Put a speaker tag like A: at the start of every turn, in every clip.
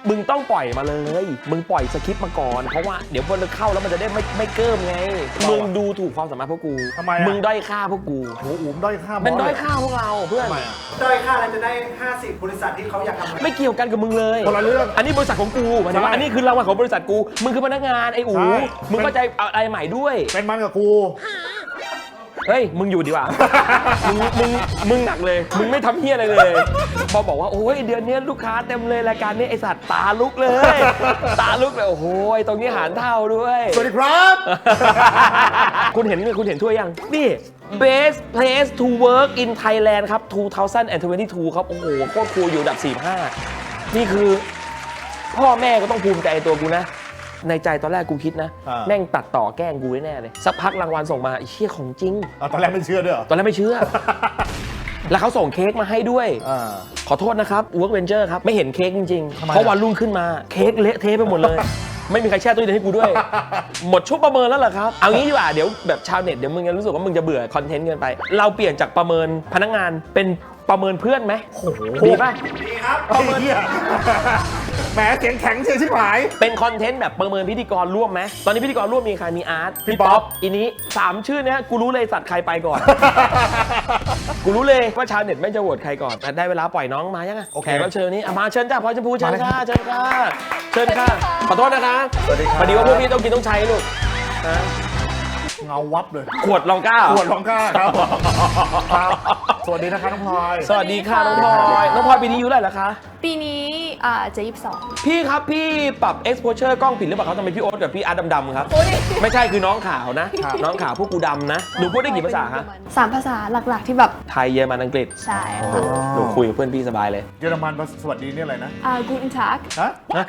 A: มึงต้องปล่อยมาเลยมึงปล่อยสคริปต์มาก่อนเพราะว่าเดี๋ยวพอเราเข้าแล้วมันจะได้ไม่เกิ้มไงมึงดูถูกความสามารถพวกกู
B: ทำไมอะ
A: มึงด้อยค่าพวกกู
B: โอ้โหด้อยค่าบอส
A: เป็นด้อยค่าพวกเราเพื่อน
B: ทำไมอ่ะ
C: ด้อยค่าอะไรจะได้ 50 บริษัทที่เขาอยากทำ
A: ไม่เกี่ยวกันกับมึงเลย
B: คนละเรื่อง
A: อันนี้บริษัทของกูหมายถึงว่า
B: ใช่
A: อันนี้คือรางวัลของบริษัทกูมึงคือพนักงานไอ้อู๋
B: ใช่
A: มึงก็ใจอะไรใหม่ด้วย
B: เป็นมันกับกู
A: เฮ้ยมึงอยู่ดีกว่า มึงหนักเลย มึงไม่ทำเฮียอะไรเลย พอบอกว่าโอ้ยเดือนนี้ลูกค้าเต็มเลยรายการนี้ไอสัตว์ตาลุกเลย ตาลุกเลยโอ้โหตรงนี้หารเท่าด้วย
B: สวัสดีครับ
A: คุณเห็นถ้วยยังนี่ Best Place to Work in Thailand ครับ 2022 ครับ โอ้โหโคตรคูลอยู่อันดับ 45 นี่คือ พ่อแม่ก็ต้องภูมิใจในตัวกูนะ ในใจตอนแรกกูคิดนะ แม่งตัดต่อแกล้งกูแน่ๆเลย สักพักรางวัลส่งมาไอ้เชี่ยของจริง
B: ตอนแรกไม่เชื่อด้วยเหรอ
A: ตอนแรกไม่เชื่อ แล้วเขาส่งเค้กมาให้ด้วย
B: อ่า
A: ขอโทษนะครับ Work Venture ครับ ไม่เห็นเค้กจริง
B: ทำ
A: ๆ
B: ไม
A: เพราะวันรุ่งขึ้นมาเค้กเละเทะไปหมดเลย ไม่มีใครแช่ตู้เย็นให้กูด้วย หมดช่วงประเมินแล้วเหรอครับ เอางี้ดีกว่า เดี๋ยวแบบชาวเน็ตเดี๋ยวมึงจะรู้สึกว่ามึงจะเบื่อคอนเทนต์เกินไป เราเปลี่ยนจากประเมินพนักงานเป็นประเมินเพื่อนไหม
B: โอ้โห
A: ดีป่ะ
C: ดีครับ
B: ไอ้เหี้ยแหมเสียงแข็งเชียวชิบหาย
A: เป็นคอนเทนต์แบบประเมินพิธีกรร่วมไหมตอนนี้พิธีกรร่วมมีใครมีอาร์ต
B: พี่ป๊อป
A: อีนี้3ชื่อเนี้ยกูรู้เลยสัตว์ใครไปก่อน กูรู้เลยว่าชาวเน็ตไม่งจะโหวตใครก่อนแต่ได้เวลาปล่อยน้องมายังไง
B: โอเค
A: แขกรับเชิญนี้อ่ะมาเชิญจ้าพลอยชมพูเชิญ
B: มาเลย
A: ค่ะเชิญค่ะเชิญค่ะขอโทษนะคะ
B: สวัสดีครับ
A: พอดีว่าพวกพี่ต้องกินต้องใช้ลูกนะ
B: เงาวับเลย
A: ขวดลองก้าเหรอ
B: ปวดร้องกล้าครับครับ สวัสดีนะคะน้องพลอย
A: สวัสดีค่ะน้องพลอยน้องพลอยปีนี้อายุเท่าไหร่แล้วคะ
D: ปีนี้จะ22
A: พี่ครับพี่ปรับ exposure กล้องผิดหรือเปล่าครับทำไมพี่โอ๊ตกับพี่อาร์ตดำๆครับ
D: โอ้ย
A: ไม่ใช่คือน้องขาวนะ น้องขาวพวกกูดำนะหนูพูดได้กี่ภาษาคะ
D: 3 ภาษาหลักๆที่แบบ
A: ไทยเยอรมันอังกฤษ
D: ใช่
A: โอ้
D: ค่ะ
A: หนูคุยกับเพื่อนพี่สบายเลย
B: เยอรมันสวัสดีนี่อะไรนะ
D: Guten Tag
B: ฮะ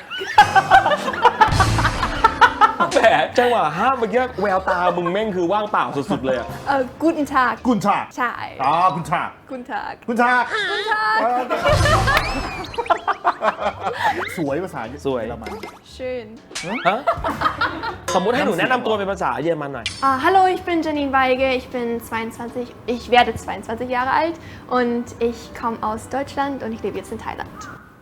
A: แหมจังหวะห้ามเมื่อกี้แววตามึงแม่งคือว่างเปล่าสุดๆเลยอะ
D: Guten Tag
B: กุนชาก
D: ใช่
B: คุณชาก
D: Guten Tag
B: คุณชาก
D: Guten Tag
B: สวยภาษา
A: สวย
B: เยอรมัน
D: schön
A: ฮะสมมุติให้หนูแนะนำตัวเป็นภาษาเยอรมันหน่อย
D: Hallo ich bin Janine Weige ich bin 22 ich werde 22 Jahre alt und ich komme aus Deutschland und ich lebe jetzt in Thailand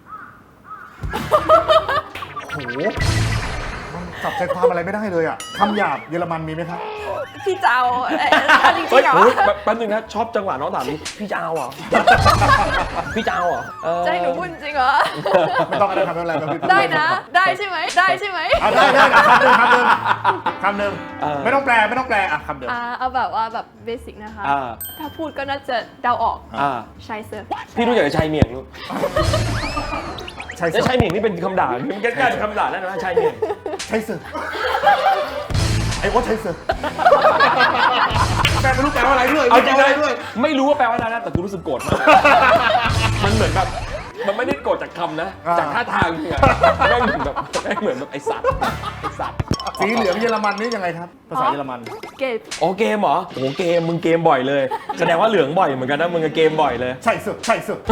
B: โอ้โหมันจับใจความอะไรไม่ได้เลยอ่ะคำหยาบเยอรมันมีไหมครับ
D: พี่เจ้าจริง
A: เฮ้ย
D: ๆเหรอ
A: โอ้ยแป๊บนึงนะชอบจังหวะน้องถามนี้พี่จะเอาเหรอ พี่จะเอาเหรอ
D: จะให้หนูพูดจริงเหรอ
B: ไม่ต้องอะไรทำอะไรครับพี่
D: ได้นะ ได้ใช่ไหมได้ใช่ไหม
B: ได้คำหนึ่งไม่ต้องแปลอ่ะคำเดิม
D: เอาแบบว่าแบบเบสิกนะคะ
A: อ่า
D: ถ้าพูดก็น่าจะเดาออก
A: อ่า
D: ใช่เซอร์
A: พี่รู้จักกับชายเมียงลูก
B: ใช่
A: แล้ว
B: เสื
A: ชายเมียงนี่เป็นคำด่ามันใกล้ๆเป็นคำด่าแล้วนะชายเมียง
B: ใช่เสือไอ้โอ๊ตใช่เสือแปลไม่รู้แปลว่าอะไรด้วย
A: เอาจริง
B: แปล
A: เล
B: ว่
A: ย
B: อะไรด้วย
A: ไม่รู้ว่าแปลว่าอะไรนะแต่กูรู้สึกโกรธมากมันเหมือนแบบมันไม่ได้โกรธจากคำนะ จากท่าทางเนี่ยแม่งเหมือนแบบไอสัตว์
B: สีเหลืองเยอรมันนี่ยังไงครับ ภาษาเยอรมัน
D: เก็บ
A: โอ้เกมเหรอโอ้เกมมึงเกมบ่อยเลย แสดงว่าเหลืองบ่อยเหมือนกันนะมึงก็เกมบ่อยเลย
B: ใช่เสือใช่เสือ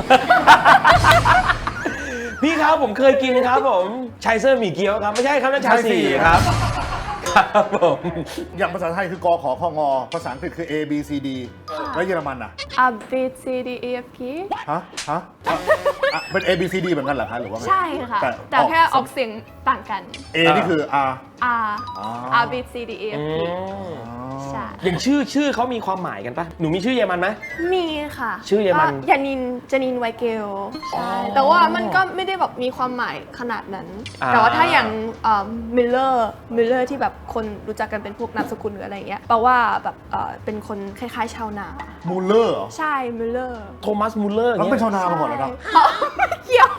A: พี่ครับผมเคยกินครับผมชัยเซอร์หมี่เกี๊ยวครับไม่ใช่ครับนั่นชาสีครับครับผม
B: อย่างภาษาไทยคือกขอคงภาษาอังกฤษคือ A B C D แล้วเยอรมันอ่ะ
D: A B C D E F P
B: ฮะเป็น A B C D เหมือนกันเหรอคะหรือว่าไง
D: ใช่ค่ะ แต่แค่ออกเสียงต่างกัน
B: A นี่คือ R
D: R A B C D E F P ใช่
A: อย่างชื่อเขามีความหมายกันปะหนูมีชื่อเยอรมันไหม
D: มีค่ะ
A: ชื่อเยอรมัน
D: ก็จานินไวเกลใช่แต่ว่ามันก็ไม่ได้แบบมีความหมายขนาดนั้น แต่ว่าถ้าอย่างมิลเลอร์ที่แบบคนรู้จักกันเป็นพวกนามสกุลหรืออะไรอย่างเงี้ยแปลว่าแบบเป็นคนคล้ายๆชาวนา
B: มูลเลอร์เหรอ
D: ใช่มิลเลอร์
A: โทมัสมูลเลอร์
B: แล้ว
A: เงี้
B: เป็น
A: ย
B: ชาวนามาก่อนแล้วนะ
D: เกี่ยว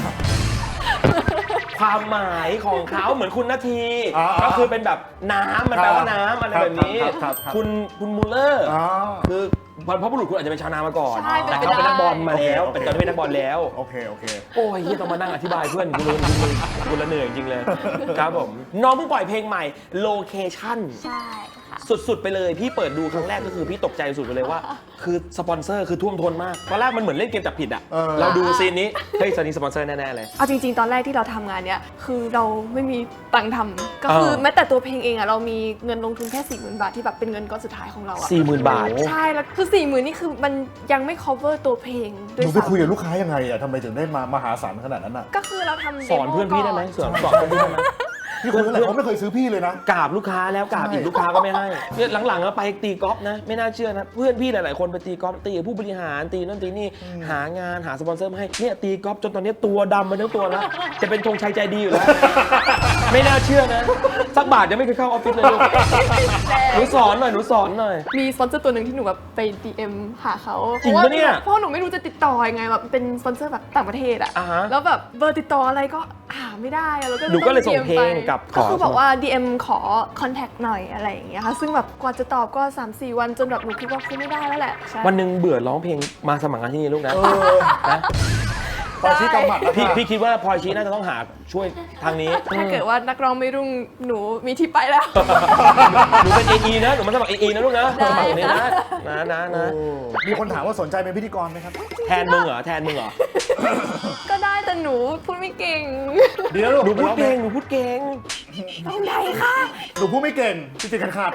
A: ความหมายของเขาเหมือนคุณนาที
B: อ่า
A: ก็คือเป็นแบบน้ำมันแปลว่าน้ำอะไรแบบนี้
B: ครับ
A: คุณมูลเลอร์
B: อ๋อ
A: คือบรรพบุรุษคุณอาจจะเป็นชาวนามาก่อน
D: ใช่
A: แต่เขาเป็นนักบอลมาแล้ว
B: โอเค
A: เป็นตอนนี้เป็นนักบอลแล้ว
B: โอเค
A: โอ้ยเหี้ยต้องมานั่งอธิบายเพื่อนกูละเหนื่อยจริงเลยครับผมน้องเพิ่งปล่อยเพลงใหม่ Location
D: ใช่ค่ะ
A: สุดๆไปเลยพี่เปิดดูครั้งแรกก็คือพี่ตกใจสุดไปเลยว่า คือสปอนเซอร์คือท่วมท้นมากตอนแรกมันเหมือนเล่นเกมจับผิดอ่ะเราดูซีนนี้เฮ้ยซีนนี้สปอนเซอร์แน่ๆเลย
D: เอาจริงๆ ตอนแรกที่เราทำงานเนี้ยคือเราไม่มีตังค์ทำก็คือแม้แต่ตัวเพลงเองอะเรามีเงินลงทุนแค่ 40,000 บาทที่แบบเป็นเงินก้อนสุดท้ายของเราอะ
A: 40,000 บาท
D: ใช่แล้วคือ 40,000 นี่คือมันยังไม่ cover ตัวเพลงด้
B: ห
D: วย
B: นูไปคุยกับ
D: ซ้ำ
B: ลูกค้ายังไงอะทำไมถึงได้มามหาศาลขนาดนั้นอะ
D: ก็คือเราทำ
A: สอนเพื่อนพี่ได้ไหมสอนเพื่อนพี่ได้ไหม
B: พี่คนอะไรเขาไม่เคยซื้อพี่เลยนะ
A: กราบลูกค้าแล้วกราบอีกลูกค้าก็ไม่ให้เนี่ยหลังๆก็ไปตีกอล์ฟนะไม่น่าเชื่อนะเพื่อนพี่หลายๆคนไปตีกอล์ฟตีกับผู้บริหารตีนั่นตีนี่หางานหาสปอนเซอร์มาให้เนี่ยตีกอล์ฟจนตอนนี้ตัวดำมาทั้งตัวแล้วจะเป็นธงชัยใจดีอยู่แล้ว ไม่น่าเชื่อนะสักบาทยังไม่เคยเข้าออฟฟิศเลยลูกหนูสอนหน่อยหนูสอนหน่อย
D: มีสปอนเซอร์ตัวหนึ่งที่หนูแบบไป DM หาเขา
A: จริงปะเนี่ย
D: เพราะหนูไม่รู้จะติดต่อยังไงแบบเป็นสปอนเซอร์แบบต่างประเทศอะ
A: อ่าฮะ
D: แล้วแบบเบอร์ติดต่ออะไรก็หาไม่ได้อะแล้วก็
A: หนูก็เลยส่ง
D: DM
A: เพลง
D: ไป
A: กับ
D: ก็คือ
A: ขอ
D: บอกว่า DM ขอ contact หน่อยอะไรอย่างเงี้ยค่ะซึ่งแบบกว่าจะตอบก็ 3-4 วันจนแบบหนูคิดว่าคงไม่ได้แล้วแหละใช่
A: วันหนึ่งเบื่อร้องเพลงมาสมัครงานที่นี่ลูกนะนะ
B: พอชี้กำหมัดแล้ว
A: พี่
B: ค่ะ
A: พี่คิดว่าพลอยชี้น่าจะต้องหาช่วยทางนี้
D: ถ้าเกิดว่านักร้องไม่รุ่งหนูมีที่ไปแล้ว
A: หนูเป็น AE นะหนูมาสมัคร AE นะลูกนะ
D: ได้
A: สมัครตรงนี้
D: ค่ะ
A: นะ
B: มีคนถามว่าสนใจเป็นพิธีกรไหมครับ
A: แทนมึงเหรอแทนมึงเหรอ
D: ก็ได้แต่หนูพูดไม่เก่ง
B: เดี๋ยวลูก
A: หนูพูดเก่งหนูพูดเก่ง
D: ตรงไหนคะ
B: หนูพูดไม่เก่งจริงๆขาด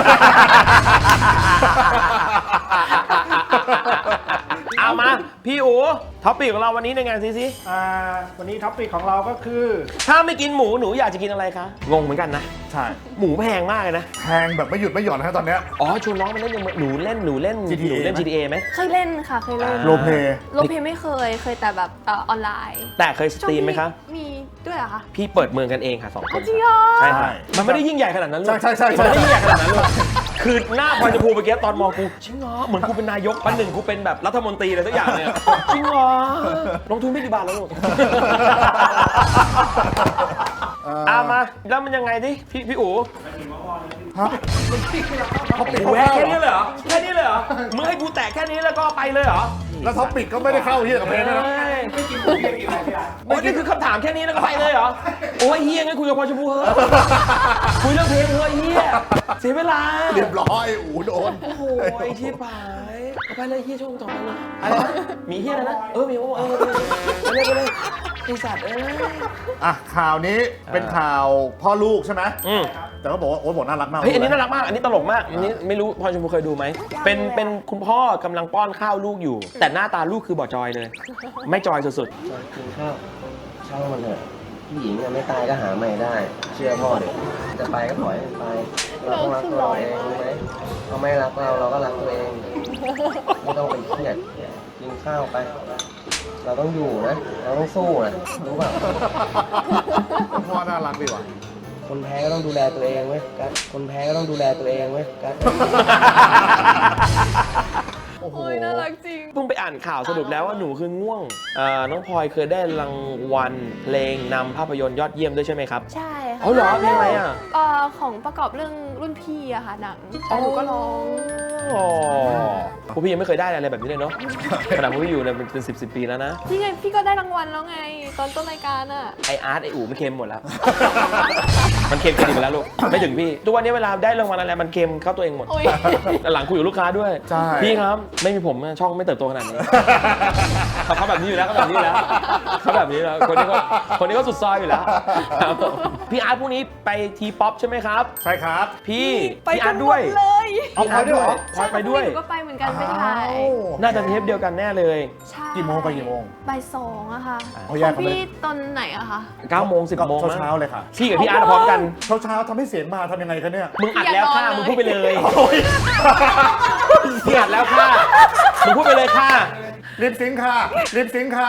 A: เอามาพี่อู๋ท็อปปี้ของเราวันนี้ในงานซิ
C: วันนี้ท็อปปิกของเราก็คือ
A: ถ้าไม่กินหมูหนูอยากจะกินอะไรคะงงเหมือนกันนะ
B: ใช่
A: หมูแพงมากเลยนะ
B: แทงแบบไม่หยุดไม่หย่อนนะตอนเนี้ย
A: อ๋อชวนน้องมาเล่นหนูเล่น
B: GTA
A: GTA ไหม
D: เคยเล่นค่ะเคยเล่น
A: อ่า
B: โรลเพลย์
D: โรลเพลย์ไม่เคยแต่แบบออนไลน์
A: แต่เคยสตรีมไหมคะ
D: มีด้วยเหรอคะ
A: พี่เปิดเมืองกันเองค่ะ2 คน
D: จริงเหรอ
A: ใช่ค่ะมันไม่ได้ยิ่งใหญ่ขนาดนั้นลูก
B: ใช่
A: มันไม่ได้ยิ่งใหญ่ขนาดนั้นลูกคือหน้าพลอยชมพูเมื่อกี้ตอนมองกูจริงเหรอเหมือนกูเป็นนายกวันหนึ่งกูเป็นแบบรัฐมนตรีอะไรสักอย่างเนี่ยจริงเหรอลงทุนไม่กี่บาทแล้วลูกมาแล้วมันยังไงดิพี่อู๋
B: ฮะเขาปิด
A: แหวกแค่นี้เลยเหรอแค่นี้เลยเหรอมึงให้กูแตะแค่นี้แล้วก็ไปเลยเหรอ
B: แล้วท็อปปิกก็ไม่ได้เข้าที่กับเพลงด้วยนะ
C: ไม่กินหมูไม่กินอะไรที่ร้าน
A: โอ้ยนี่คือคำถามแค่นี้แล้วก็ไปเลยเหรอโอ้ยเฮียงั้นคุยกับพลอยชมพูเฮ้ยคุยเรื่องเพลงเฮ้ยเฮียเสียเวลา
B: เรียบร้อยอูโดน
A: โอ้โหไอ้ที่ผายไปเลยเฮียช่วงต่อไปเลยอะไรนะมีเฮียอะไรนะมีโอ้ไปเลยไอสัตว์
B: อ่ะข่าวนี้เป็นข่าวพ่อลูกใช่ไหม
A: อืม
B: แต่ก็บอกว่าโอ๊ตบอกน่ารักมาก
A: เฮ้ยอันนี้น่ารักมากอันนี้ตลกมากอันนี้ไม่รู้พลอยชมพูเคยดูไหมเป็นคุณพ่อกำลังป้อนข้าวลูกอยู่ แต่หน้าตาลูกคือบ่อจอยเลย ไม่จอยสุด
E: กินข้าวช่างมันเถอะผู้หญิงอะไม่ตายก็หาใหม่ได้ เชื่อพ่อเด็กจะไปก็ปล่อยให้ไปเราต้องรักตัวเราเองรู้ไหมเขาไม่รักเราเราก็รักตัวเองไม่ต้องไปเครียดกินข้าวไป เราต้องอยู่นะ เราต้องสู้นะรู้เปล่า
B: พ่อน่ารักดีว่ะ
E: คนแพ้ก็ต้องดูแลตัวเองเว้ยกัสคนแพ้ก็ต้องดูแลตัวเองเว้ยกัส
B: โอ้โห
D: โอ้ยน่ารักจริง
A: ๆเพิ่งไปอ่านข่าวสรุปแล้วว่าหนูคือง่วงน้องพลอยเคยได้รางวัลเพลงนำภาพยนตร์ยอดเยี่ยมด้วยใช่ไหมครับ
D: ใช่ค่ะ
A: เอาเหรอเพลงอะไรอ่ะ
D: ของประกอบเรื่องรุ่นพี่อะค่ะหนังแต่หนูก็ร้อง
A: พวกพี่ยังไม่เคยได้อะไรแบบนี้เลยเนาะขนาดพวกพี่อยู่เนี่ยเป็น10 ปีแล้วนะ
D: พี่ไงพี่ก็ได้รางวัลแล้วไง ตอนต้นรายการอะ
A: ไออาร์ตไออู๋มันเค็มหมดแล้ว มันเค็มกันอีกแล้วลูกไม่ถึงพี่ทุกวันนี้เวลาได้รางวัลอะไรมันเค็มเข้าตัวเองหมด
D: โอ้ย
A: หลังคุยกับลูกค้าด้วย
B: ใช่
A: พี่ครับไม่มีผมช่องไม่เติบโตขนาดนี้ เขาแบบนี้อยู่แล้วเขาแบบนี้อยู่แล้วเขาแบบนี้แล้วคนนี้ก็สุดซอยอยู่แล้วครับผมพี่อาร์ตพรุ่งนี้ไปทีป๊อปใช่ไหมครับ
B: ใช่ครับ
A: พี่
D: ไป
A: พี่อา
D: กั
A: ร์
D: น
A: ต
D: หม
A: ด้วย
D: ดเลย
B: เอาพลอยด้วยเหรอ
A: พลอยไปด้วย
D: หนูก็ไปเหมือนกันไปถ่าย
A: น่าจะเทปเดียวกันแน่เลย
D: ใช่
B: กี่โมงไปกี่โมง
D: บ่าย2อะค่ะ
B: เอาแยกกันไป
D: พี่ตอนไหนอะคะ
A: 9 โมง 10 โมง
B: เช้าๆเลยค่ะ
A: พี่กับพี่อาร์ตพร้อมกัน
B: เช้าๆทำให้เสียงมาทำยังไงคะเนี่ย
A: มึงอัดแล้วค่ะ
D: อย่านอนเลย
A: มึงพูดไปเลย
B: โอ้ย
A: พี่อัดแล้วค่ะมึงพูดไปเลยค่ะ
B: ลิปซิงค์ค่ะลิปซิงค์ค่ะ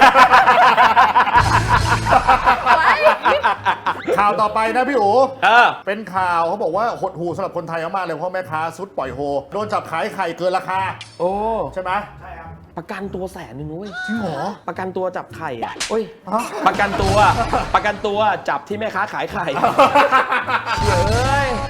B: ข่าวต่อไปนะพี่อู๋ เป็นข่าวเขาบอกว่าหดหูสำหรับคนไทยมากๆเลยเพราะแม่ค้าซุดปล่อยโฮโดนจับขายไข่เกินราคา
A: โอ้
B: ใช่ไหม
A: ประกันตัว100,000นุ้ย
B: จริงเหรอ
A: ประกันตัวจับไข่อะโอ้ย
B: ฮะ
A: ประกันตัวจับที่แม่ค้าขายไข่เฮ้ย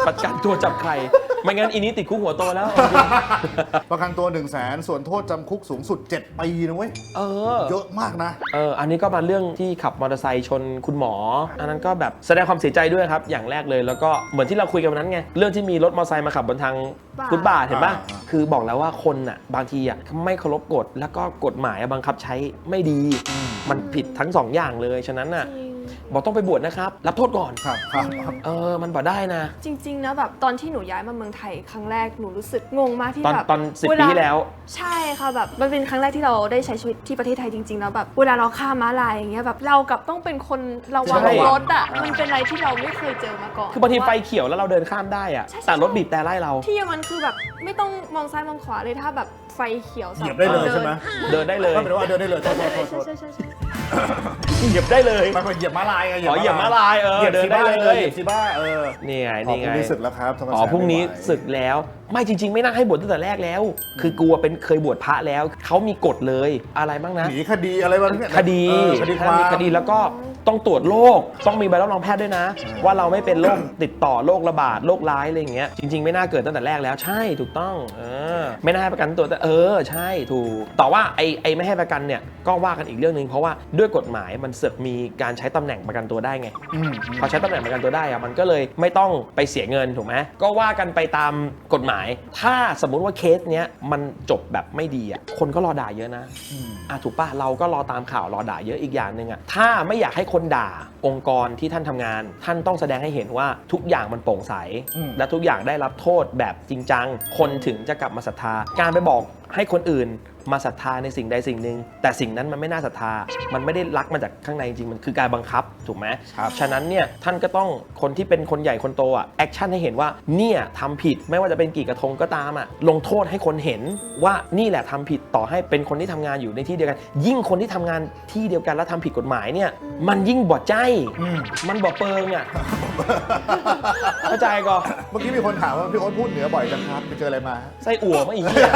A: ประกันตัวจับใครไม่งั้นอีนี้ติดคุกหัวโตแล้ว
B: ประกันตัว 100,000 ส่วนโทษจำคุกสูงสุด 7 ปีนะเว้ย
A: เออ
B: เยอะมากนะ
A: อันนี้ก็มาเรื่องที่ขับมอเตอร์ไซค์ชนคุณหมอ อันนั้นก็แบบแสดงความเสียใจด้วยครับ อย่างแรกเลย แล้วก็เหมือนที่เราคุยกันวันนั้นไง เรื่องที่มีรถมอเตอร์ไซค์มาขับบนทางฟุตบาทเห็นป่ะ คือบอกแล้วว่าคนอ่ะบางทีอ่ะไม่เคารพกฎ แล้วก็กฎหมายบังคับใช้ไม่ดี มันผิดทั้งสองอย่างเลย ฉะนั้นอ่ะบอกต้องไปบวชนะครับ รับโทษก่อน
B: ครับครับครับ
A: มันบอกได้นะ
D: จริงๆนะแบบตอนที่หนูย้ายมาเมืองไทยครั้งแรกหนูรู้สึกงงมากที่แบบ
A: ตอน10 ปีที่แล้ว
D: ใช่ค่ะแบบมันเป็นครั้งแรกที่เราได้ใช้ชีวิตที่ประเทศไทยจริงๆแล้วแบบเวลาเราข้ามม้าลายอย่างเงี้ยแบบเรากับต้องเป็นคนระวัง
A: ใช่
D: รถอ่ะมันเป็นอะไรที่เราไม่เคยเจอมาก่อน
A: คือบางทีไฟเขียวแล้วเราเดินข้ามได้อ่ะ
D: ใช่
A: แต่รถบีบแต่ไล่เรา
D: ที่มันคือแบบไม่ต้องมองซ้ายมองขวาเลยถ้าแบบไฟเขียว
B: เหยียบได้เลยใช่ไหม
A: เดินได้เลย
B: ก็เป็นว่าเดินได้เลยโทษโทษโทษโทษ
D: ใช่ใช่ใช่
A: เหยียบได้เลย
B: มันเป็นเหยียบม้าลายไง
A: เหยียบม้าลาย
B: เหยียบ
A: เดิน
B: ซี
A: ได้
B: บ้า
A: เลย
B: เหยียบซีบ้า
A: นี่ไง
B: พรุ่
A: นี่
B: ง
A: ไง
B: นี้ศึกแล้วครับธรรมศาสตร์
A: อ๋อพรุ่งนี้
B: ไม่ไหว
A: ศึกแล้ว ไม่จริง ๆ ไม่น่าให้บวชตั้งแต่แรกแล้ว คือกลัวเป็นเคยบวชพระแล้วเขามีกฎเลยอะไรบ้างนะ
B: หนีคดีอะไรบ้างเนี่ย
A: คดี
B: คดีค
A: ถ้าว
B: าม
A: มีคดีแล้วก็ต้องตรวจโรคต้องมีใบรับรองแพทย์ด้วยนะ ว่าเราไม่เป็นโรคติดต่อโรคระบาดโรคร้ายอะไรอย่างเงี้ยจริง ๆ ไม่น่าเกิดตั้งแต่แรกแล้วใช่ถูกต้องไม่น่าให้ประกันตัวแต่ใช่ถูกแต่ว่าไอ้ไม่ให้ประกันเนี่ยก็ว่ากันอีกเรื่องนึงเพราะว่าด้วยกฎหมายมันเสือกมีการใช้ตำแหน่งประกันตัวได้ไง พอใช้ตำแหน่งประกันตัวได้อะมันก็เลยไม่ต้องไปเสียเงินถูกไหมก็ว่ากันไปตามกฎหมาย ถ้าสมมุติว่าเคสเนี้ยมันจบแบบไม่ดีอ่ะคนก็รอด่าเยอะนะถูกป่ะเราก็รอตามข่าวรอด่าเยอะอีกอย่างหนึ่งอ่ะถ้าไม่อยากให้คนด่าองค์กรที่ท่านทำงานท่านต้องแสดงให้เห็นว่าทุกอย่างมันโปร่งใสและทุกอย่างได้รับโทษแบบจริงจังคนถึงจะกลับมาศรัทธาการไปบอกให้คนอื่นมาศรัทธาในสิ่งใดสิ่งหนึ่งแต่สิ่งนั้นมันไม่น่าศรัทธามันไม่ได้รักมาจากข้างในจริงมันคือการบังคับถูกไหมฉะนั้นเนี่ยท่านก็ต้องคนที่เป็นคนใหญ่คนโตอ่ะแอคชั่นให้เห็นว่าเนี่ยทำผิดไม่ว่าจะเป็นกี่กระทงก็ตามอ่ะลงโทษให้คนเห็นว่านี่แหละทำผิดต่อให้เป็นคนที่ทำงานอยู่ในที่เดียวกันยิ่งคนที่ทำงานที่เดียวกันแล้วทำผิดกฎหมายเนี่ยมันยิ่งบอดใจมันบอดเปิงอ่ะเข้าใจก็
B: เมื่อกี้มีคนถามว่าพี่โอ๊ตพูดเหนือบ่อยจังครับไปเจออะไรมา
A: ไส้อั่วมาอีกเนี่ย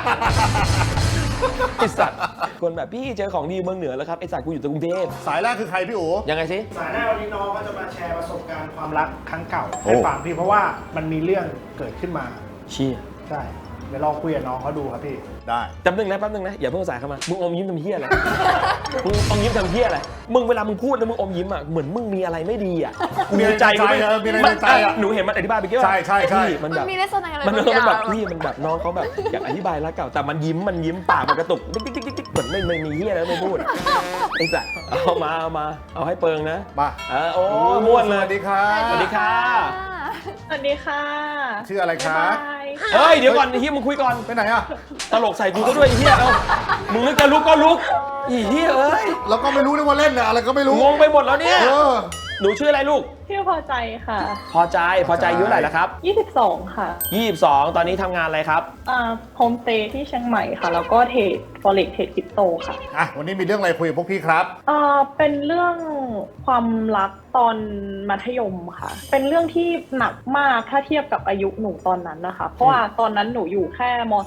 A: ไอสัตว์คนแบบพี่เจอของดีเมืองเหนือแล้วครับไอสัตว์กูอยู่กรุงเทพ
B: สายแรกคือใครพี่โอ๋
A: ยังไงสิ
C: สายหน้าวันนี้น้องก็จะมาแชร์ประสบการณ์ความรักครั้งเก่าให้ฟังพี่เพราะว่ามันมีเรื่องเกิดขึ้นมา
A: เชี่ย
C: ใช่เดี๋ยวลองคุยกับน้องเขาดูครับพี่
B: ได้
A: แป๊บนึงนะอย่าเพิ่งสายเข้ามามึงอมยิ้มทำเหี้ยอะไรมึงอมยิ้มทำเหี้ยอะไรมึงเวลามึงพูดแล้วมึงอมยิ้มอ่ะเหมือนมึงมีอะไรไม่ดีอ่ะ
B: มีอะไรในใจมีอะไรในใจอะ
A: หนูเห็นมันอธิบายไปกี่ว่า
B: ใช่ใช่ใช่
A: พี่มันแบบ
D: มีลักษณะอะไร
A: มัน
D: บางอย่าง
A: แบบพี่มันแบบน้องเขาแบบอยากอธิบายรักเก่าแต่มันยิ้มปากมันกระตุกติ๊กติ๊กติ๊กติ๊กเหมือนไม่มีเหี้ยแล้วไม่พูดไอ้สัสเอาให้เปิงนะ
B: มา
A: โอ้ม่วนเลย
B: สวัสดีครับ
A: สวัสดีค่ะ
F: สวัสดีค่ะ
B: ชื่ออะไรคะ
F: บ๊ายบาย
A: เฮ้ยเดี๋ยวก่อนเฮียมึงคุยก่อน
B: ไปไหนอ่ะ
A: ตลกใส่กูก็ด้วยไอ้เฮียเอ้ามึงนึกจะลุกก็ลุกอีเฮียเอ้ย
B: แล้วก็ไม่รู้ด้วยว่าเล่นน่ะอะไรก็ไม่รู้
A: งงไปหมดแล้วเนี่ย หนูชื่ออะไรลูก
F: ชื่อพอใจค่ะ
A: พอใจอายุเท่าไหร่แล้วครับ
F: 22 ค่ะ
A: 22 ตอนนี้ทำงานอะไรครับ
F: โฮมสเตย์ที่เชียงใหม่ค่ะ แล้วก็เทรด Forex เทรดคริปโตค่ะ
B: อ่ะวันนี้มีเรื่องอะไรคุยกับพวกพี่ครับ
F: เป็นเรื่องความรักตอนมัธยมค่ะ เป็นเรื่องที่หนักมากถ้าเทียบกับอายุหนูตอนนั้นนะคะ เพราะว่าตอนนั้นหนูอยู่แค่ม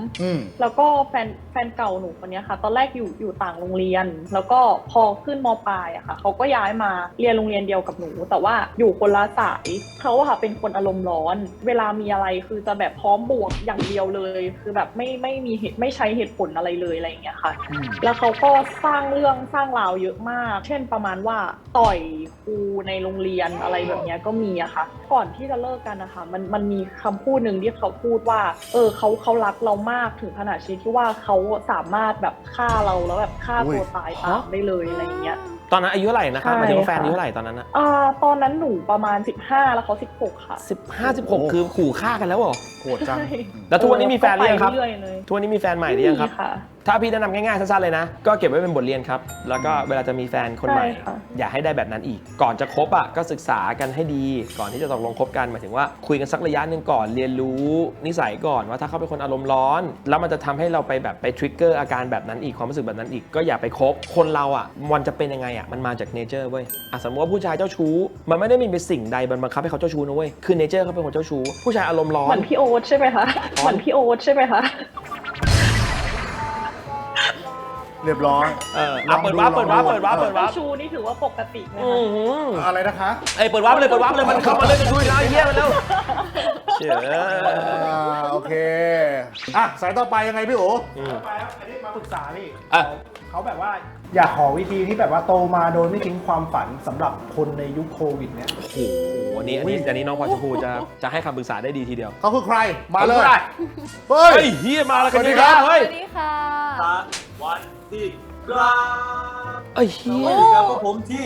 F: .3 แล้วก็แฟนเก่าหนูคนนี้ค่ะ ตอนแรกอยู่ต่างโรงเรียน แล้วก็พอขึ้นม.ปลายอะค่ะเขาก็ย้ายมาเรียนโรงเรียนเดียวกับหนูแต่ว่าอยู่คนละสายเขาอะค่ะเป็นคนอารมณ์ร้อนเวลามีอะไรคือจะแบบพร้อมบวกอย่างเดียวเลยคือแบบไม่มีเหตุไม่ใช้เหตุผลอะไรเลยอะไรอย่างเงี้ยค่ะแล้วเขาก็สร้างเรื่องสร้างราวเยอะมากเช่นประมาณว่าต่อยครูในโรงเรียนอะไรแบบเนี้ยก็มีอะค่ะก่อนที่จะเลิกกันนะคะมันมีคำพูดหนึ่งที่เขาพูดว่าเขารักเรามากถึงขนาดที่ว่าเขาสามารถแบบฆ่าเราแล้วแบบฆ่าตัวตายตามได้เลยอะไรอย่างเงี้ย
A: ตอนนั้นอายุเท่าไหร่นะครับหมายถึงว่าแฟนอายุเท่าไหร่ตอนนั้นนะ
F: ตอนนั้นหนูประมาณ15แล้วเขา16ค่ะ
A: 15-16 คือขู่ฆ่ากันแล้วเหรอ
B: โหดจัง
A: แล้วทุกวันนี้มีแฟนหรือยังครับ
F: เรื่อยๆเลย
A: ทุกวันนี้มีแฟนใหม่หรือยังครับ
F: ค่ะ
A: ถ้าพี่แนะนำง่ายๆสั้นๆเลยนะก็เก็บไว้เป็นบทเรียนครับแล้วก็เวลาจะมีแฟนคนใหม่
F: ใช่ค่ะ
A: อย่าให้ได้แบบนั้นอีกก่อนจะคบอ่ะก็ศึกษากันให้ดีก่อนที่จะตกลงคบกันหมายถึงว่าคุยกันสักระยะหนึ่งก่อนเรียนรู้นิสัยก่อนว่าถ้าเขาเป็นคนอารมณ์ร้อนแล้วมันจะทำให้เราไปแบบไปทริกเกอร์อาการแบบนั้นอีกความรู้สึกแบบนั้นอีกก็อย่าไปคบคนเราอ่ะมันจะเป็นยังไงอ่ะมันมาจากเนเจอร์เว้ยสมมติว่าผู้ชายเจ้าชู้มันไม่ได้มีเป็นสิ่งใดบังคับให้เขาเจ้าชู้นะเว้ยคือเนเจอร์เขาเป็นคนเจ้าชู้ผู้ชายอารมณ์ร้อ
F: เหมื
A: น
F: อนพี่โอ๊ตใช่ไหมคะเหมือนพี่โอ๊ตใช่ไหมคะ
B: เรียบร้อย
A: เปิดวาร์ปเปิดวาร์ปเปิดวาร์ปเปิดวาร์ป
F: ชูนี่ถือว่าปกติไหม
A: อื
F: คะ
A: อหือ
B: อะไรนะคะ
A: เปิดวาร์ปเลยเปิดวาร์ปเลยมันเข้ามาเลยจะดูอีกแล้วไอ้เหี้ยมันแล้วเชื่อ
B: โอเคอ่ะสายต่อไปยังไงพี่โอ๋
C: ไปครับอันนี้มาปรึกษาพี่
A: อ่ะ
C: เขาแบบว่าอยากขอวิธีที่แบบว่าโตมาโดยไม่ทิ้งความฝันสำหรับคนในยุคโควิดเนี่ย
A: โอ้โหอันนี้น้องพลอยชมพูจะให้คำปรึกษาได้ดีทีเดียว
B: เขาคือใครมาเลย
A: เฮ้
B: เฮ้
A: ย
B: ย
A: เฮียมาแล้วกัน
B: สวัสดี
A: ดี
B: ค
A: ค
B: รั
A: รับ บเฮ้ย
D: สวัสดีค่ะ
G: วันที่ครับ
A: ไอ้เฮีย
G: ครับผมที่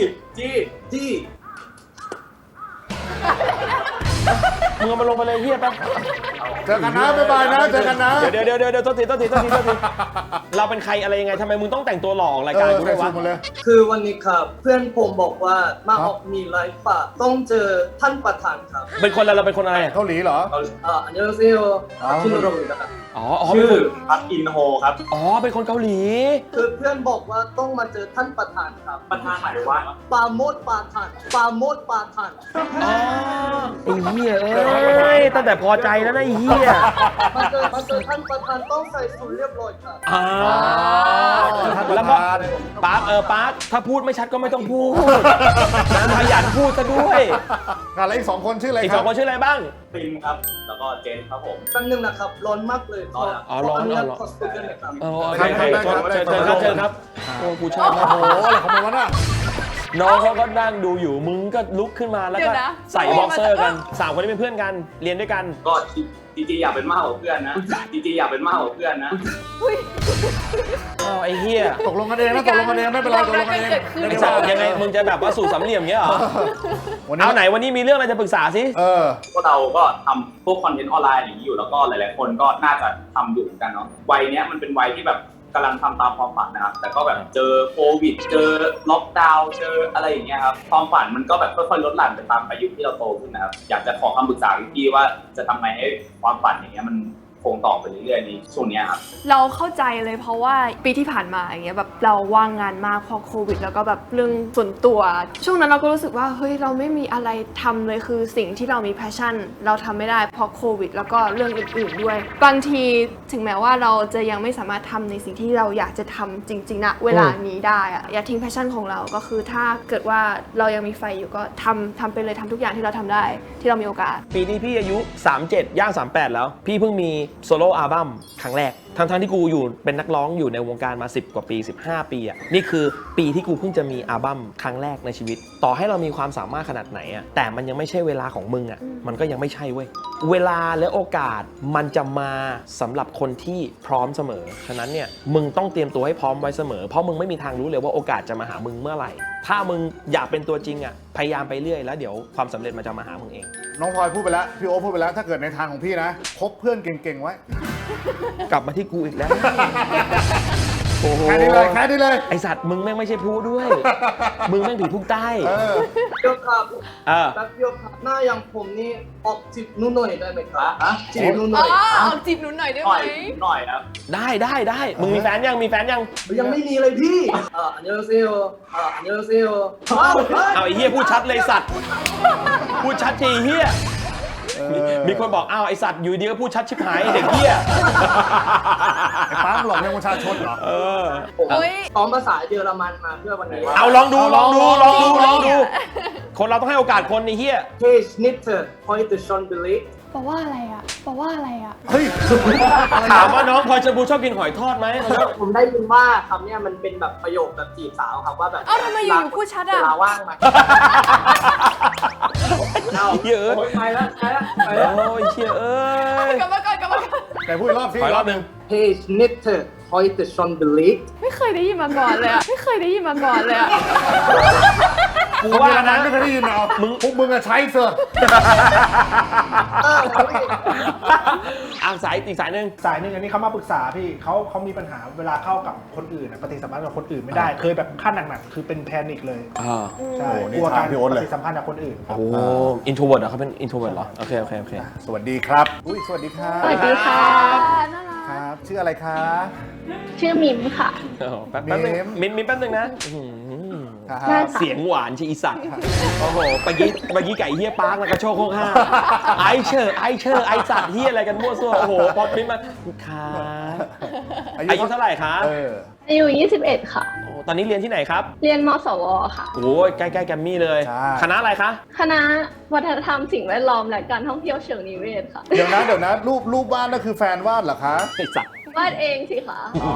A: มึงเอามาลงไปเลยเฮียไป
B: เจอกันนะบ๊ายบายนะเจอกันนะ
A: เดี๋ยวโทษทีเราเป็นใครอะไรยังไงทำไมมึงต้องแต่งตัวหล่อออกรายการกูด้วยวะ
B: หมดเลย
G: คือวันนี้ครับเพื่อนผมบอกว่ามาออกมีไลฟ์ป่ะต้องเจอท่านประธานครับ
A: เป็นคนอะไรเราเป็นคนอะไร
B: เกาหลีเหรอ
G: อันนี้เราเซียว
B: อ๋อ
G: ชื่อโรมินะครับ
A: อ๋อเป็นคน
G: พักอินโฮครับ
A: อ๋อเป็นคนเกาหลี
G: คือเพื่อนบอกว่าต้องมาเจอท่านประธานครับประธานไหนวะปาโมดปาทาน
A: อ๋อไอ้เฮียเอ้ยตั้งแต่พอใจแล้วนะไอ้เฮีย
G: มาเจอท่านประธานต้องใส่สูทเรียบร้อยครับ
A: แล้วก็ปาร์คปาร์คถ้าพูดไม่ชัดก็ไม่ต้องพูดขยันพูดซะด้วย
B: แล้วอีก2 คนชื่ออะไร
A: อีก
B: ค
A: ส
B: รั
A: อบ งคนชื่ออะไรบ้าง
G: ปินครับแล้วก็เจนครับผมแป๊บนึงนะครับร้อนมากเลยร้อน
A: อ๋อร้อน
G: ขอสตูดิโอหน่อยครับ
A: ใครเชิญครับโอ้กูชอบ
B: โอ้โหอะไรของมันวะน่ะ
A: น้องเขาก็นั่งดูอยู่มึงก็ลุกขึ้นมาแล้ว
D: เดี๋
A: ก็
D: ยวนะ
A: ใส่บ็อกเซอร์กัน3 คนนี้เป็นเพื่อนกันเรียนด้วยกัน
G: ก็จริงๆอยากเป็นมากกว่าเพื่อนนะจริงๆอยากเป็นมากกว่าเพื่อนนะ
A: อ้าวไอ้เหี้ย
B: ตกลงกันเองนะตกลงกันเองไม่เป็นไรตกลงกันเอง
A: ไอ้สัตว์ยังไงมึงจะแบบว่าสู่สามเหลี่ยมเงี้ยเหรอเอาไหนวันนี้มีเรื่องอะไรจะปรึกษาสิ
G: พวกเราก็ทำพวกคอนเทนต์ออนไลน์อย่างนี้อยู่แล้วก็หลายๆคนก็น่าจะทำอยู่เหมือนกันเนาะวัยเนี้ยมันเป็นวัยที่แบบกำลังทำตามความฝันนะครับแต่ก็แบบเจอโควิดเจอล็อกดาวน์เจออะไรอย่างเงี้ยครับความฝันมันก็แบบค่อยๆลดหลั่นไปตามอายุที่เราโตขึ้นนะครับอยากจะขอคำปรึกษาพี่ๆว่าจะทำไงให้ความฝันอย่างเงี้ยมันคงต่อไปเรื่อยๆในช่วงเนี้ยครับ
D: เราเข้าใจเลยเพราะว่าปีที่ผ่านมาอย่างเงี้ยแบบเราว่างงานมากเพราะโควิดแล้วก็แบบเรื่องส่วนตัว ช่วงนั้นเราก็รู้สึกว่าเฮ้ยเราไม่มีอะไรทำเลยคือสิ่งที่เรามีแพชชั่นเราทำไม่ได้เพราะโควิดแล้วก็เรื่องอื่นๆด้วย บางทีถึงแม้ว่าเราจะยังไม่สามารถทำในสิ่งที่เราอยากจะทำจริงๆนะเวลานี้ได้อะอย่าทิ้งแพชชั่นของเราก็คือถ้าเกิดว่าเรายังมีไฟอยู่ก็ทำไปเลยทำทุกอย่างที่เราทำได้ที่เรามีโอกาส
A: ปีนี้พี่อายุ37ย่าง38แล้วพี่เพิ่งมีโซโล่อัลบั้มครั้งแรกทั้งที่กูอยู่เป็นนักร้องอยู่ในวงการมา10 กว่าปี15 ปีอ่ะนี่คือปีที่กูเพิ่งจะมีอัลบั้มครั้งแรกในชีวิตต่อให้เรามีความสามารถขนาดไหนอ่ะแต่มันยังไม่ใช่เวลาของมึงอ่ะมันก็ยังไม่ใช่เว้ยเวลาและโอกาสมันจะมาสำหรับคนที่พร้อมเสมอฉะนั้นเนี่ยมึงต้องเตรียมตัวให้พร้อมไว้เสมอเพราะมึงไม่มีทางรู้เลยว่าโอกาสจะมาหามึงเมื่อไหร่ถ้ามึงอยากเป็นตัวจริงอ่ะพยายามไปเรื่อยแล้วเดี๋ยวความสำเร็จมันจะมาหามึงเอง
B: น้องพลอยพูดไปแล้วพี่โอ๊ตพูดไปแล้วถ้าเกิดในทางของพี่นะคบเพื่อนเก่งๆไว้
A: กลับมาที่กูอีกแล้ว โอ้โห
B: แค่นี้เลย
A: ไอสัตว์มึงแม่งไม่ใช่ผู้ด้วย มึงแม่งผีพุ่งใต้
G: เดี๋ยวครับ
A: แ
G: แป๊บเดียวครับหน้าอย่างผมนี่ออกจิบนุ่นหน่อยได้ไหมครับจิบนุ่นหน่
D: อ๋
G: อย
D: อเอาจีบหนูหน่อยได้
G: ห
D: ไห
G: น่
D: ม
G: อยหน่อยครับ
A: ได้มึงมีแฟนยัง
G: ยังไม่มีเลยพี่อันนี้เราเซียวอันนี้เราเซียว
A: เอาไอ้เหี้ยพูดชัดเลยสัตว์พูดชัดทีเหี้ยมีคนบอกอ้าวไอสัตว์อยู่ดีก็พูดชัดชิบหายไอ้เด็กเหี้ย
B: ไอ้ป้าหลอกเรื่องประชาชนเหรอ
G: ผมซ้อมภาษาเยอรมันมาเพื่อวันนี้
A: เอาลองดูคนเราต้องให้โอกาสคนไอ้เหี้ย
G: เทชนิเตอร์พอยต์ชอนเบลิ
D: แปลว่าอะไรอะแปลว่าอะไรอะ
B: เฮ้ย
A: ถามว่าน้องพลอยชมพูชอบกินหอยทอดไหม
G: ผมได้ยินว่าคำเนี้ยมันเป็นแบบประโยคแบบจีบสาวครับว่าแบบ
D: เอ้าทำไมอยู่พูดชัดอะ
G: เวลาว่างมาเอา
A: เยอะ
G: ไปแล้ว
A: โอ้ยเชี่ยเอ้ย
D: กลับมาก่อน
B: แต่พูดอีกรอบสิ
A: ขออีกรอบหนึ่ง
G: เทชนิเตอร์พอยต์ชอนเบลิ
D: ไม่เคยได้ยินมาก่อนเลยอะไม่เคยได้ยินมาก่อนเลยอะ
B: กูว่านั้นไม่เคยได้ยินเอาพวกมึงอะใช้เถอะ
A: สายอีกสายหนึ่ง
C: สายหนึ่งอันนี้เขามาปรึกษาพี่เขามีปัญหาเวลาเข้ากับคนอื่นปฏิสัมพันธ์กับคนอื่นไม่ได้ เคยแบบขั้นหนักๆคือเป็นแพนิคเลยใช่กลัวการปฏิสัมพันธ์กับคนอื่นครับ
A: โอ้อินโทรเวิร์ดเหรอเขาเป็นอินโทรเวิร์ดเหรอโอเค
B: สวัสดีครับอุ้ยสวัสดีครับ
F: สวัสดีค่ะ
D: น่ารัก
B: ครับชื่ออะไรคะ
F: ชื่อมิมค่ะ
A: แป๊บนึงมิ้นแป๊บนึงนะ
B: ครับ
A: เสียงหวานชีอีสัตว์โอ้โหเมื่อกี้ไก่เฮียปาร์กแล้วก็โชคโคกห้าไอเชอร์ไอสัตว์เฮียอะไรกันมั่วซั่วโอ้โหพอมิ้นมาค่ะอายุเท่าไหร่คะ
F: อายุ21 ค่ะ
A: โอ้ตอนนี้เรียนที่ไหนครับ
F: เรียนมสวค่ะ
A: โอ้ยใกล้ๆแกรมมี่เลย
B: ใช่
A: คณะอะไรคะ
F: คณะวัฒนธรรมสิ่งแวดล้อมและการท่องเที่ยวเชิงนิเวศค่ะ
B: เดี๋ยวนะรูปวาดนั่นคือแฟนวาดเหรอคะ
A: ไอ้สัตว์
F: วาดเองสิคะ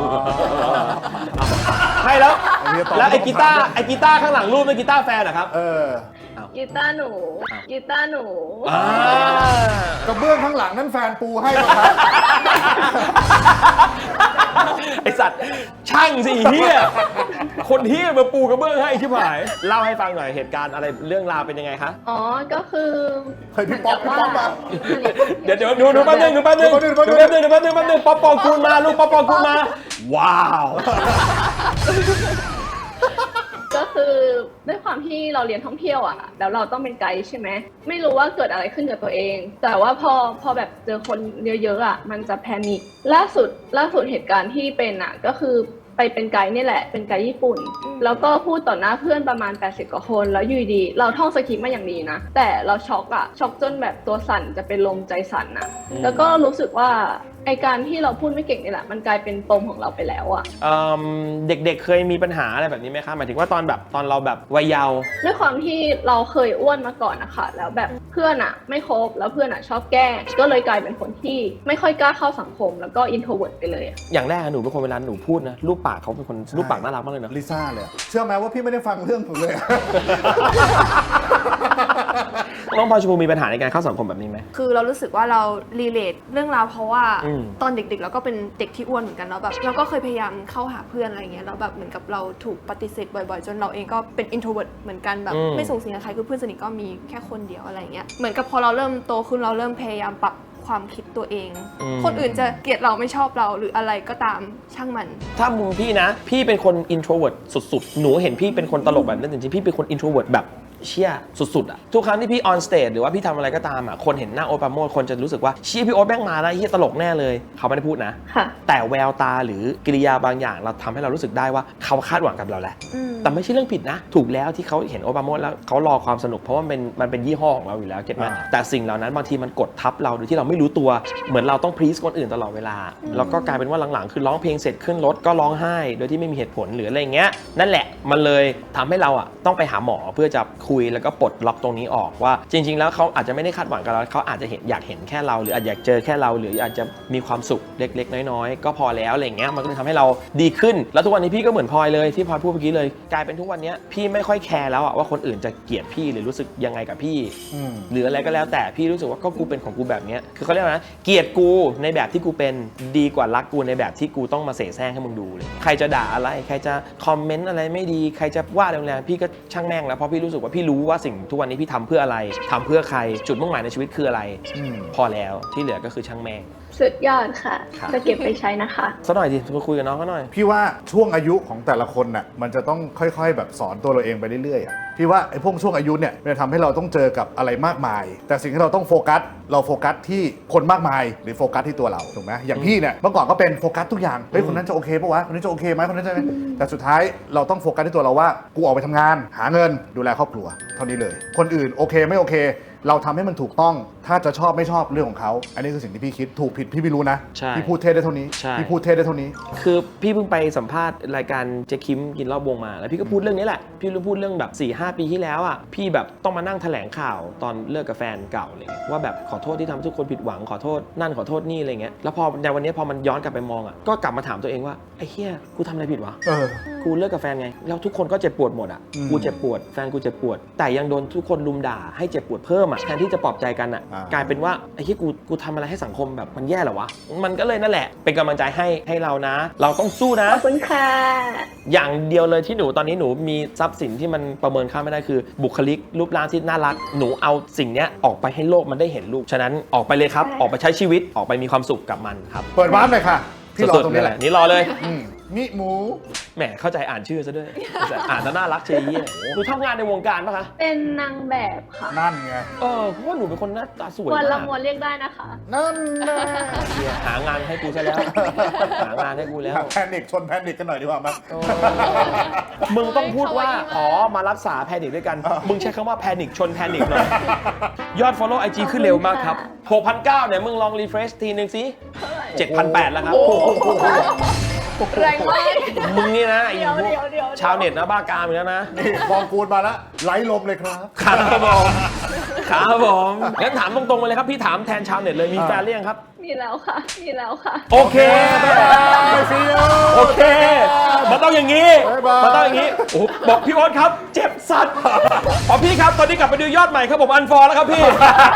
A: ไม่แล้ว
B: เอาเรียนต่อ
A: แล้วไอ้กีตาร์ข้างหลังรูปเป็นกีตาร์แฟนเหรอครับ
B: เออ
F: กีตาร์หนู
A: อ่า
B: กระเบื้องข้างหลังนั่นแฟนปูให้ป่ะครับ
A: ไอสัตว์ช่างสิเฮียคนเฮียมาปูกระเบื้องให้ชิบหายเล่าให้ฟังหน่อยเหตุการณ์อะไรเรื่องราวเป็นยังไงคะ
F: อ๋อ ก็คือ
B: เฮ้ยพี่ป๊อปมา
A: เดี๋ยวดูแป๊บนึงป๊อปปองคูณมาลูกป๊อปปองคูณมาว้าว
F: ก็คือด้วยความที่เราเรียนท่องเที่ยวอ่ะแล้วเราต้องเป็นไกด์ใช่ไหมไม่รู้ว่าเกิดอะไรขึ้นกับตัวเอง แต่ว่าพอแบบเจอคนเยอะๆอ่ะมันจะแพนิคล่าสุดเหตุการณ์ที่เป็นอ่ะก็คือไปเป็นไกด์นี่แหละเป็นไกด์ญี่ปุ่นแล้วก็พูดต่อหน้าเพื่อนประมาณ80กว่าคนแล้วอยู่ดีเราท่องสคริปต์มาอย่างดีนะแต่เราช็อกจนแบบตัวสั่นจะเป็นลมใจสั่นนะแล้วก็รู้สึกว่าไอการที่เราพูดไม่เก่งนี่แหละมันกลายเป็นปมของเราไปแล้วอะ
A: เด็กๆเคยมีปัญหาอะไรแบบนี้ไหมคะหมายถึงว่าตอนเราแบบวัยเยาว์
F: ด้วยความที่เราเคยอ้วนมาก่อนนะคะแล้วแบบเพื่อนอะไม่คบแล้วเพื่อนอะชอบแกล้งก็เลยกลายเป็นคนที่ไม่ค่อยกล้าเข้าสังคมแล้วก็อินโทรเวิร์ตไปเลยอะ
A: อย่างแรกหนูเป็นคนเวลาหนูพูดนะรูปปากเขาเป็นคนรูปปากน่ารักมากเลยเนาะ
B: ลิซ่าเลย เชื่อไหมว่าพี่ไม่ได้ฟังเรื่องผมเลย
A: น้องพลอยชมพูมีปัญหาในการเข้าสังคมแบบนี้ไหม
D: คือเรารู้สึกว่าเรารีเลทเรื่องราวเพราะว่า
A: อืม
D: ตอนเด็กๆเราก็เป็นเด็กที่อ้วนเหมือนกันเนาะแบบเราก็เคยพยายามเข้าหาเพื่อนอะไรเงี้ยแล้วแบบเหมือนกับเราถูกปฏิเสธบ่อยๆ จนเราเองก็เป็น introvert เหมือนกันแบบไม่ส่งเสียงกับใครคือเพื่อนสนิทก็มีแค่คนเดียวอะไรเงี้ยเหมือนกับพอเราเริ่มโตขึ้นเราเริ่มพยายามปรับความคิดตัวเอง คนอื่นจะเกลียดเราไม่ชอบเราหรืออะไรก็ตามช่างมัน
A: ถ้ามุมพี่นะ พี่เป็นคน introvert สุดๆ หนูเห็นพี่เป็นคนตลกแบบนั้นจริงๆพี่เป็นคน introvert แบบเชี่ยสุดๆอะทุกครั้งที่พี่ on stage หรือว่าพี่ทำอะไรก็ตามอะคนเห็นหน้าโอ๊ตปราโมชคนจะรู้สึกว่าเชี่ยพี่โอ๊ตแม่งมาแล้วเฮียตลกแน่เลยเขาไม่ได้พูดนะ
F: ค่ะ
A: แต่แววตาหรือกิริยาบางอย่างเราทำให้เรารู้สึกได้ว่าเขาคาดหวังกับเราแหละ แต่ไม่ใช่เรื่องผิดนะ ถูกแล้วที่เขาเห็นโอ๊ตปราโมชแล้วเขารอความสนุกเพราะว่ามันเป็นยี่ห้อของเราอยู่แล้วเก็ตไหมแต่สิ่งเหล่านั้นบางทีมันกดทับเราโดยที่เราไม่รู้ตัวเหมือนเราต้องพรีซคนอื่นตลอดเวลาแล้วก็กลายเป็นว่าหลังๆคือร้องเพลงเสร็จขึ้นรถก็ร้องไห้โดยที่ไม่มีเหตุผลหรืออะไรเงี้ยนั่นแหละมันเลยทำให้เราอะต้องไปหาหมอเพื่อจะคุยแล้วก็ปลดล็อกตรงนี้ออกว่าจริงๆแล้วเขาอาจจะไม่ได้คาดหวังกับเราเขาอาจจะอยากเห็นแค่เราหรืออาจอยากเจอแค่เราหรืออาจจะมีความสุขเล็กๆน้อยๆก็พอแล้วอะไรเงี้ยมันก็เลยทำให้เราดีขึ้นแล้วทุกวันนี้พี่ก็เหมือนพลอยเลยที่พลอยพูดเมื่อกี้เลยกลายเป็นทุกวันนี้พี่ไม่ค่อยแคร์แล้วอะว่าคนอื่นจะเกลียดพี่หรือรู้สึกยังไงกับพี่หรืออะไรก็แล้วแต่พี่รู้สึกว่าก็กูเป็นของกูแบบนี้คือเขาเรียกว่านะเกลียดกูในแบบที่กูเป็นดีกว่ารักกูในแบบที่กูต้องมาเสแสร้งให้มึงดูเลยใครจะด่าอะไรใครจะคอมเมนต์อะไรไม่ดีใครจะว่าแรงๆพี่ก็ช่างแม่งแล้วเพราะพี่รู้สึกว่าพี่รู้ว่าสิ่งทุกวันนี้พี่ทำเพื่ออะไรทำเพื่อใครจุดมุ่งหมายในชีวิตคืออะไรพอแล้วที่เหลือก็คือช่างแม่ง
F: สุดยอดค่ะ
A: ครับ
F: จะเก็บไปใช้นะคะ
A: สักหน่อยดิมาคุยกับน้องเขาหน่อย
B: พี่ว่าช่วงอายุของแต่ละคนน่ะมันจะต้องค่อยๆแบบสอนตัวเราเองไปเรื่อยๆอ่ะพี่ว่าไอ้พวกช่วงอายุเนี่ยมันจะทำให้เราต้องเจอกับอะไรมากมาย แต่สิ่งที่เราต้องโฟกัสที่คนมากมายหรือโฟกัสที่ตัวเราถูกไหมอย่างพี่เนี่ยเมื่อก่อนก็เป็นโฟกัสทุกอย่างเฮ้ยคนนั้นจะโอเคปะวะคนนี้จะโอเคไหมคนนั้นจะแต่สุดท้ายเราต้องโฟกัสที่ตัวเราว่ากูออกไปทำงานหาเงินดูแลครอบครัวเท่านี้เลยคนอื่นโอเคไม่โอเคเราทำให้มันถูกต้องถ้าจะชอบไม่ชอบเรื่องของเขาอันนี้คือสิ่งที่พี่คิดถูกผิดพี่ไม่รู้นะ
A: ใช่
B: พี่พูดเทศได้เท่านี้
A: ใช่
B: พี่พูดเทศได้เท่านี้
A: คือพี่เพิ่งไปสัมภาษณ์รายการเจ๊คิมกินรอบวงมาแล้วพี่ก็พูดเรื่องนี้แหละพี่พูดเรื่องแบบ 4-5 ปีที่แล้วอ่ะพี่แบบต้องมานั่งแถลงข่าวตอนเลิกกับแฟนเก่าเลยว่าแบบขอโทษที่ทำให้ทุกคนผิดหวังขอโทษนั่นขอโทษนี่อะไรเงี้ยแล้วพอในวันนี้พอมันย้อนกลับไปมองอ่ะก็กลับมาถามตัวเองว่าไอ้เหี้ยกูทำอะไรผิดวะ กูเลิกกับแฟนไงแล้วทุกคนก็เจ็บปวดหมดอ่ะกูเจ็บปวดแฟนกูเจ็บปวดแต่ยังโดนทุกคนลุมด่าให้เจ็บปวดเพิ่มอ่ะแทนที่จะปลอบใจกันอ่ะกลายเป็นว่าไอ้ที่กูทำอะไรให้สังคมแบบมันแย่เหรอวะมันก็เลยนั่นแหละเป็นกำลังใจให้เรานะเราต้องสู้นะ
F: ขอบคุณค่ะ
A: อย่างเดียวเลยที่หนูตอนนี้หนูมีทรัพย์สินที่มันประเมินค่าไม่ได้คือบุคลิกรูปร่างที่น่ารักหนูเอาสิ่งเนี้ยออกไปให้โลกมันได้เห็นลูกฉะนั้นออกไปเลยครับออกไปใช้ชีวิตออกไปมีความสุขกับมันครับ
B: เปิดวาร์ปเลยค่ะพี่รอ
A: สุด
B: ต
A: ๆ
B: รงนี้แหละ
A: นี่รอเลย
B: มิหมู
A: แหมเข้าใจอ่านชื่อซะด้วยอ่านแล้วน่ารักเชียร์หนูทำงานในวงการปะคะ
F: เป็นนางแบบค่ะ
B: นั่นไง
A: เพราะว่าหนูเป็นคนหน้าตาสวย
F: วันละ
A: มาก
F: มวลเรียกได้นะคะ
B: นั่นแหละ
A: หางานให้กูซะแล้วหางานให้กูแล้ว
B: แพนิคชนแพนิคกันหน่อยดีกว่ามั้ย
A: มึงต้องพูดว่ามารักษาแพนิคด้วยกันมึงใช้คำว่าแพนิคชนแพนิคหน่อยยอด follow IG ขึ้นเร็วมากครับ 6,900 เนี่ยมึงลองรีเฟรชทีนึงสิ 7,800 แล้วครับ
D: แรงมาก
A: มึงนี่นะไอ้
F: เดี๋ยว
A: พวก
F: เดี๋ยว
A: ชาวเน็ตนะบ้ากามอยู่แล้วนะ
B: นี่บองกูลมาแล้วไล่ลมเลยครับ
A: ครับผมครับผมงั้นถามตรงๆไปเลยครับพี่ถามแทนชาวเน็ตเลยมีแฟนหรือยังครับ
F: มีแล้วค่ะ มีแล้วค่ะ
A: โอเค
B: ไปซีโอ
A: โอเค มันต้องอย่างนี้
B: บ๊ายบาย
A: มันต้องอย่างนี้โอ้โหบอกพี่โอ๊ตครับ เจ็บสัตว์พอพี่ครับ ตอนนี้กลับไปดูยอดใหม่ครับผมอันฟอร์แล้วครับพี่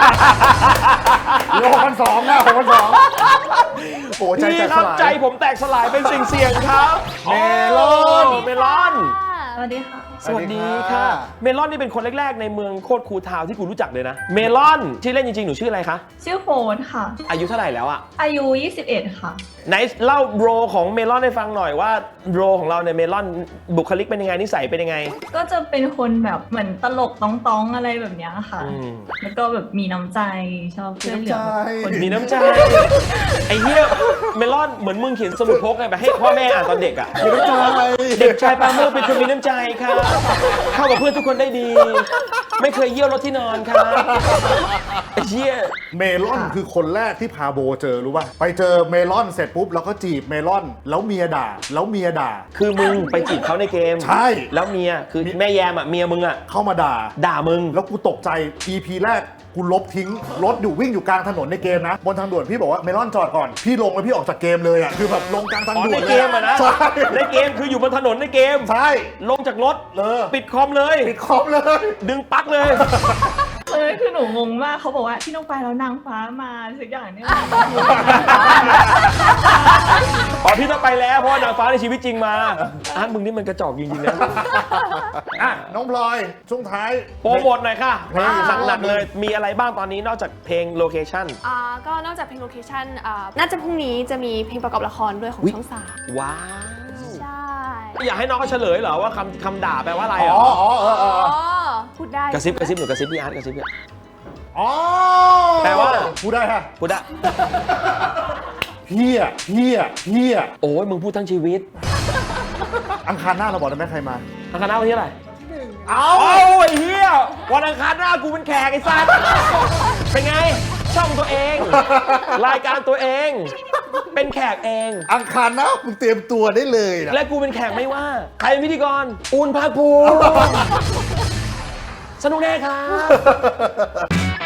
B: เหลือ6,200นะ6,200โอ้ใจ
A: พี่
B: แตก
A: ค
B: ส
A: รับ
B: ลาย
A: ใจผมแตกสลายเป็นสิ่งเสี่ยงครับ
B: เมลอน
A: เมลอน
F: สวัสดีค่ะ
A: สวัสดีค่ะ เมลอนนี่เป็นคนแรกๆในเมืองโคตรคูลทาวน์ที่กูรู้จักเลยนะ เมลอนชื่อเล่นจริงๆหนูชื่ออะไรคะ
H: ชื่อโฟนค่ะ
A: อายุเท่าไหร่แล้วอะ
H: อายุ 21 ค่ะ
A: ไหนเล่าโรของเมลอนให้ฟังหน่อยว่าโรของเราเนี่ยเมลอนบุคลิกเป็นยังไงนิสัยเป็นยังไง
H: ก็จะเป็นคนแบบเหมือนตลกต้องๆอะไรแบบเนี้ยค่ะ
A: อืม
H: แล้วก็แบบมีน้ำใจชอบช่วยเหลือคน
A: มีน้ำใจ ไอ้เหี้ยเมลอนเหมือนมึงเขียนสมุดพกไงแบบให้พ่อแม่อ่านตอนเด็กอ่ะ
B: มีน้ำใจ
A: เด็กชายปราโมชเป็นคนมีน้ำใจครับเข้ากับเพื่อนทุกคนได้ดี ไม่เคยเยี่ยวรถที่นอนครับไอ้เหี้ย
B: เมลอนคือคนแรกที่พาโบเจอรู้ป่ะไปเจอเมลอนเสร็จปุ๊บแล้วก็จีบเมลอนแล้วเมียด่าแล้วเมียด่า
A: คือมึงไปจีบเขาในเกม
B: ใช่
A: แล้วเมียคือแม่แยมอ่ะเมียมึงอ่ะ
B: เข้ามาด่า
A: ด่ามึง
B: แล้วกูตกใจ EP แรกกูลบทิ้งรถอยู่วิ่งอยู่กลางถนนในเกมนะ บนทางด่วนพี่บอกว่าเมลอนจอดก่อน พี่ลงแล้วพี่ออกจากเกมเลยอ่ะคือแบบลงกลางทาง
A: อ๋อ
B: ด่ว
A: ใน
B: น
A: เก
B: เลย
A: มอ่ะนะ
B: ใช่
A: ในเกมคืออยู่บนถนนในเกม
B: ใช่
A: ลงจากรถ ปิดคอมเลย
B: ปิดคอมเลย
A: ดึงปลั๊กเลย
H: คือหนูงงมากเขาบอกว่าพี่น้องไปแล้วนางฟ้ามาสักอย่างเนี่ย
A: อ๋อพี่ต้องไปแล้วเพราะว่านางฟ้าในชีวิตจริงมาอ่ะมึงนี่มันกระจอกจริงๆนะ
B: อ่ะน้องพลอยช่วงท้าย
A: โปรโมทหน่อยค่ะ
B: เพลง
A: หนักๆเลย มีอะไรบ้างตอนนี้นอกจากเพลงโลเคชั่น
D: ก็นอกจากเพลงโลเคชั่นน่าจะพรุ่งนี้จะมีเพลงประกอบละครด้วยของ
A: อุ๊ย
D: ช่องสาม
A: ว้าว
D: ใช่
A: อยากให้น้องเขาเฉลยเหรอว่าคำด่าแปลว่าอะไร
B: อ๋
A: เหร
B: อ
A: อ
B: อ๋อเออเออ
D: พูดได้
A: กระซิบหนูกระซิบพี่อาร์ตกระซิบพี่
B: อ๋อ
A: แปลว่า
B: พูดได้ค่ะ
A: พูดได้
B: เฮียเฮียเฮีย
A: โอ้ยมึงพูดทั้งชีวิต
B: อังคารหน้าเราบอกได้ไหมใครมา
A: อังคารหน้าวันที่อะไร
B: เอา
A: โอ้ยเฮียวันอังคารหน้ากูเป็นแขกไอ้สัสเป็นไง ช่องตัวเอง รายการตัวเอง เป็นแขกเอง
B: อังคารหน้ามึงเตรียมตัวได้เลยนะ
A: และกูเป็นแขกไม่ว่า ใครเป็นพิธีกร อูนภาคภูมิ สนุกแน่ครับ